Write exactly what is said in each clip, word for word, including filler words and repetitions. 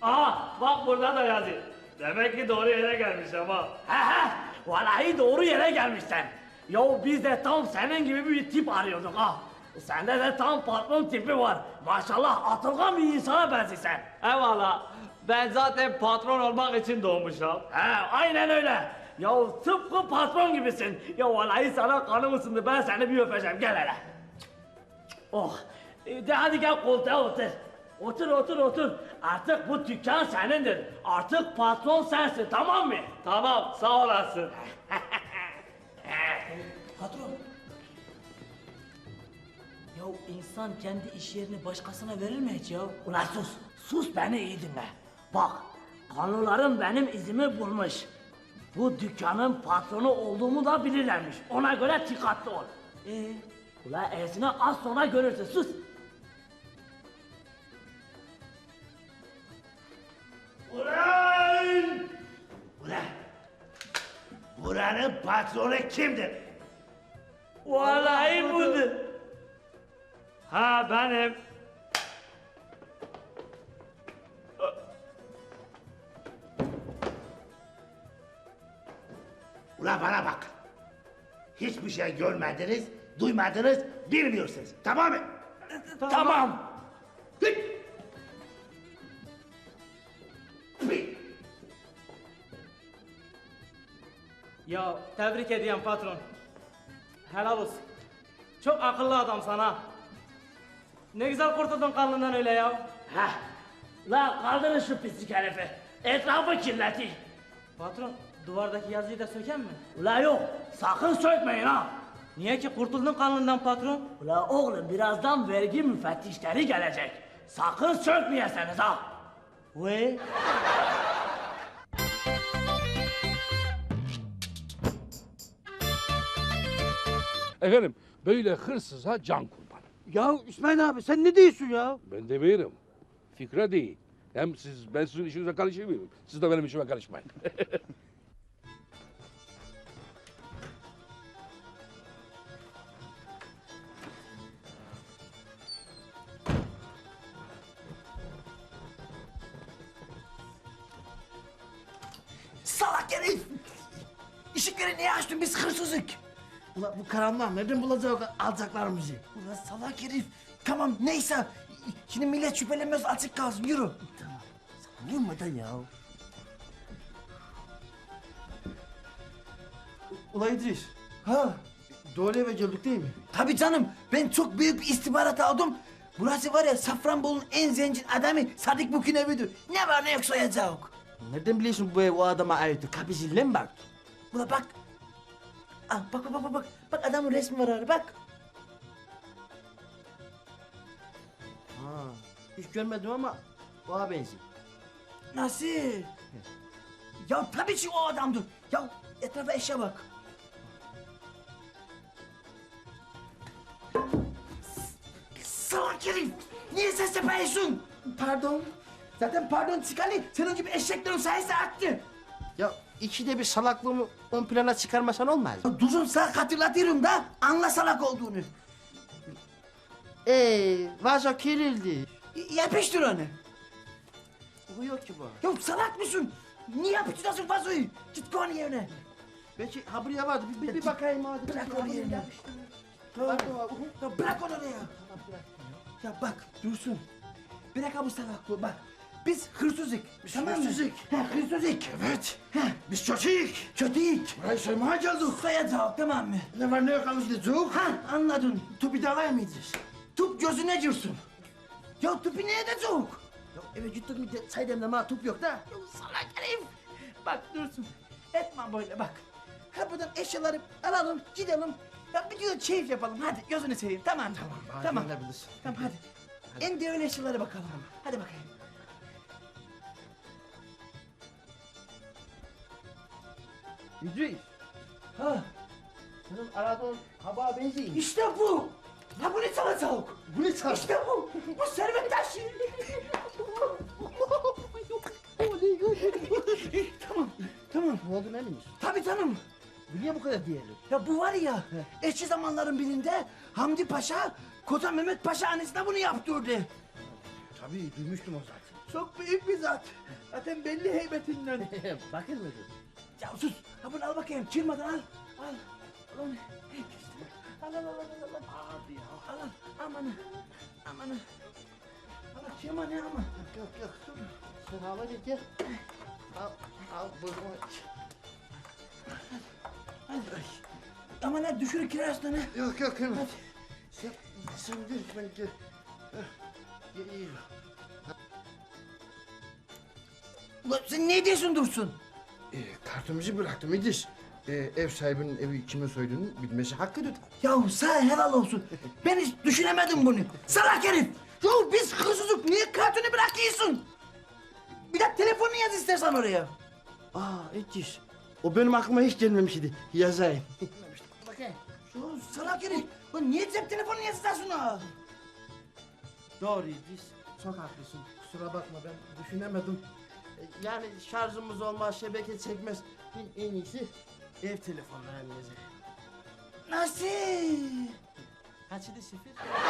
Aa bak burada da yazıyor. Demek ki doğru yere gelmiş ama. He he, vallahi doğru yere gelmişsin. Ya biz de tam senin gibi bir tip arıyorduk ha. Sende de tam patron tipi var. Maşallah atılgan bir insana benziyorsun. Eyvallah. Ben zaten patron olmak için doğmuşum. He aynen öyle. Ya tıpkı patron gibisin. Ya vallahi sana kanım ısındı, ben seni bir öpeceğim, gel hele. Oh, e, de hadi gel koltuğa otur. Otur otur otur. Artık bu dükkan senindir. Artık patron sensin, tamam mı? Tamam sağ olasın. Patron. Ya insan kendi iş yerini başkasına verir mi hiç ya? Ulan sus, sus beni iyi dinle. Bak, kanunlarım benim izimi bulmuş. Bu dükkanın patronu olduğumu da bilirlermiş. Ona göre dikkatli ol. Ee, Ulan esini az sonra görürsün, sus. Ulan! Ulan! Buranın patronu kimdir? Vallahi budur. Ha benim. Ulan bana bak. Hiçbir şey görmediniz, duymadınız, bilmiyorsunuz. Tamam mı? Tamam. Git! Bir. Ya tebrik ediyorum patron. Helal olsun. Çok akıllı adam sana. Ne güzel kurtuldun kanlından öyle ya. Heh. La kaldırın şu pislik herifi. Etrafı kirletti. Patron, duvardaki yazıyı da söken mi? Ula yok, sakın sökmeyin ha. Niye ki kurtuldun kanlından patron? Ula oğlum, birazdan vergi müfettişleri gelecek. Sakın sökmeyeseniz ha. Ve Efendim böyle hırsıza can kurban. Ya İsmail abi sen ne diyorsun ya? Ben demiyorum. Fikre değil. Hem siz, ben sizin işinize karışmıyorum. Siz de benim işime karışmayın. Salak herif! Işıkları niye açtın, biz hırsızık? Ulan bu karanlığa nereden bulacak alacaklarımızı? Ulan salak herif! Tamam neyse, şimdi millet şüphelenmez, açık kalsın, yürü. Tamam, sana vurmadan ya. Ulan İdris. Ha. Doğru eve geldik değil mi? Tabii canım, ben çok büyük bir istihbarat aldım. Burası var ya, Safranbolu'nun en zengin adamı Sadık Buk'un evidir. Ne var ne yok soyacak. Nereden biliyorsun bu ev o adama ait? Kapısıyla mı baktın? Ulan bak. Ah, bak bak bak bak. Bak adamın resmi var orada, bak. Ha. Hiç görmedim ama ona benziyor. Nasıl? Ya tabii ki o adamdı. Ya etrafa eşya bak. S- Salak herif! Niye ses yapıyorsun? Pardon. Zaten pardon çıkalı senin gibi eşeklerin sayısı arttı. Ya ikide bir salaklığımı ön plana çıkarmasan olmaz mı? Ya Duzun sana hatırlatıyorum da anla salak olduğunu. Eee vazo kirildi. Y- Yapıştır onu. Bu yok ki bu. Ya salak mısın? Niye yapıştırıyorsun vazoyu? Git koy onu yerine. Belki ha buraya vardı. Bir, bir, bir bakayım hadi. Bırak Belki ha onu buraya yerine. yapıştı. Tamam. Bak, bak, bak. Ya bırak onu oraya. Ya bak Dursun. Bırak bu salaklığı bak. Biz hırsızık. Biz tamam mı? hırsızık. He hırsızık. Evet. He. Biz kötüyük. Kötüyük. Burayı soymaya geldik. Soyacak tamam mı? Ne var ne yok anlaşılacak. Ha anladın. Topu da alayım mıyız? Tup gözüne girsin. Ya tupi ne edecek? Ya eve gittik mi de saydamda ma top yok da. Ya salak herif. Bak Dursun. Etme böyle bak. Ha buradan eşyaları alalım gidelim. Ya bir gün keyif yapalım hadi gözünü seveyim tamam mı? Tamam. Tamam. Gönderebilirsin. Tamam hadi. En değerli eşyalara bakalım. Hadi bakayım. İdris. Ha Senin aradığın hava benziyor. işte bu. Ha bu ne salacak? Bu ne çarşı? İşte bu. Bu servet taşı. tamam. Tamam. Ne oldu ne miyiz? Tabii canım. Bu niye bu kadar değerli? Ya bu var ya, eski zamanların birinde Hamdi Paşa, Koca Mehmet Paşa annesine bunu yaptırdı. Tabii duymuştum o zaten. Çok büyük bir zat. Zaten belli heybetinden. Bakır mıdır? Ya sus. Ha bunu al bakayım. Çırmadan al. Al. Al onu. Al al al al al. Abi ya. Al al. Aman. Aman. Allah çırma ne ama. Yok yok dur. Sen al hadi gel. Al al bunu. Aman ha düşür kirazdan ha. Yok yok hemen. Sen, sen dur ben gel. Heh, iyi. Ulan sen ne diyorsun Dursun? Ee, kartımızı bıraktım İdris. Ee, ev sahibinin evi kime soyduğunu bilmesi hakkıdır. Ya sana helal olsun. Ben hiç düşünemedim bunu. Salak herif. Ya biz hırsızlık niye kartını bırakıyorsun? Bir de telefonunu yaz istersen oraya. Aa İdris. O benim aklıma hiç gelmemişti. Yazayım. Bakayım. Ya salak herif. Lan niye cep telefonunu yaz istersin ha? Doğru İdris. Çok haklısın. Kusura bakma ben düşünemedim. Ee, Yani şarjımız olmaz, şebeke çekmez. En, en iyisi ev telefonlarını yazayım. Nasıl? Kaçıdı sıfır?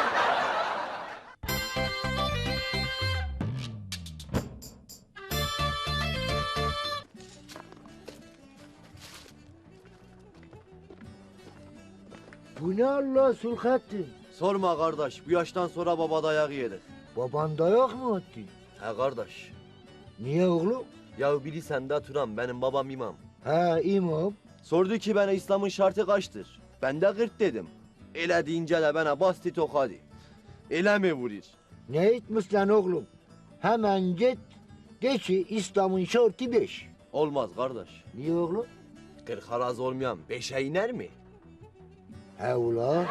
Bu ne Allah Sulhattin? Sorma kardeş, bu yaştan sonra baba dayak yedik. Baban dayak mı attı? He kardeş, Niye oğlum? ya biri sende Turan, benim babam imam. Ha imam. Sordu ki bana İslam'ın şartı kaçtır? Ben de kırk dedim. Ele deyince de bana bastı tokadı. Ele mi vurur? Ne etmiş lan oğlum? Hemen git de ki İslam'ın şartı beş. Olmaz kardeş. Niye oğlum? Kırk haraz olmayan beşe iner mi? He ula.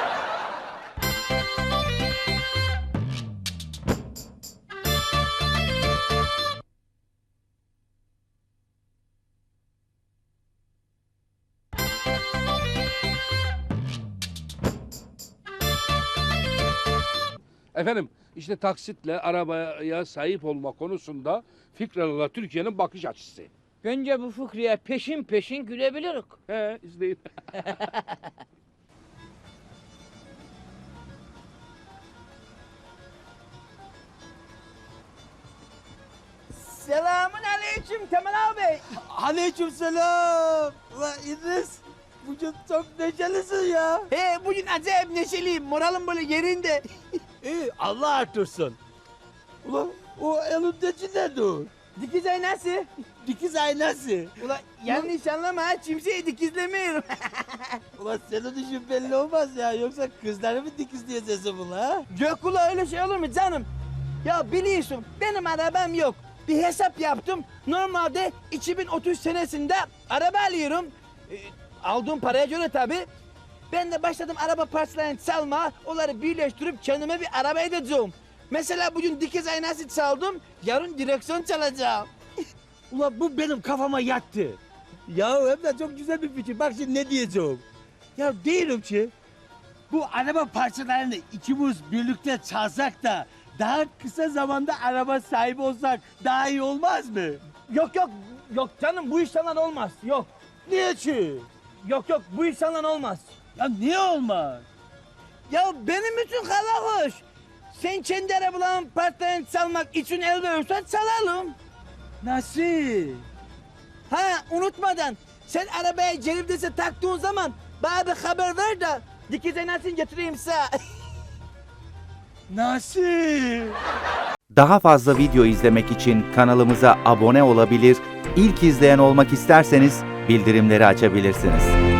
Efendim işte taksitle arabaya sahip olma konusunda Fikralı'la Türkiye'nin bakış açısı. Bence bu fıkraya peşin peşin gülebiliriz. He izleyin. Selamun aleyküm Kemal abi. Aleyküm selam. Ulan İdris. Bugün çok neşelisin ya. He bugün acayip neşeliyim. Moralim böyle yerinde. İyi Allah artırsın. Ulan o elindeki ne dur? Dikiz aynası. Dikiz aynası. Ulan yanlış anlama ha. Kimseyi dikizlemiyorum. Ulan senin işin belli olmaz ya. Yoksa kızları mı dikizleyeceksin bunu ha? Yok ula öyle şey olur mu canım? Ya biliyorsun benim arabam yok. Bir hesap yaptım. Normalde iki bin otuz senesinde araba alıyorum. Ee, aldığım paraya göre tabi. Ben de başladım araba parçalarını çalma. Onları birleştirip kendime bir araba edeceğim. Mesela bugün dikiz aynası çaldım. Yarın direksiyon çalacağım. Ulan bu benim kafama yattı. Ya hem de çok güzel bir fikir. Bak şimdi ne diyeceğim. Ya diyorum ki bu araba parçalarını ikimiz birlikte çalsak da daha kısa zamanda araba sahibi olsak daha iyi olmaz mı? Yok yok yok canım bu iş falan olmaz. Yok Niye ki? yok yok bu iş falan olmaz. Ya niye olmaz? Ya benim için hala hoş. Sen kendi arabaların parçalarını çalmak için el verirsen çalalım. Nasıl? Ha unutmadan sen arabaya cebimdese taktığın zaman bana bir haber ver de dikiz aynasını getireyim sana. Nasıl? Daha fazla video izlemek için kanalımıza abone olabilir, ilk izleyen olmak isterseniz bildirimleri açabilirsiniz.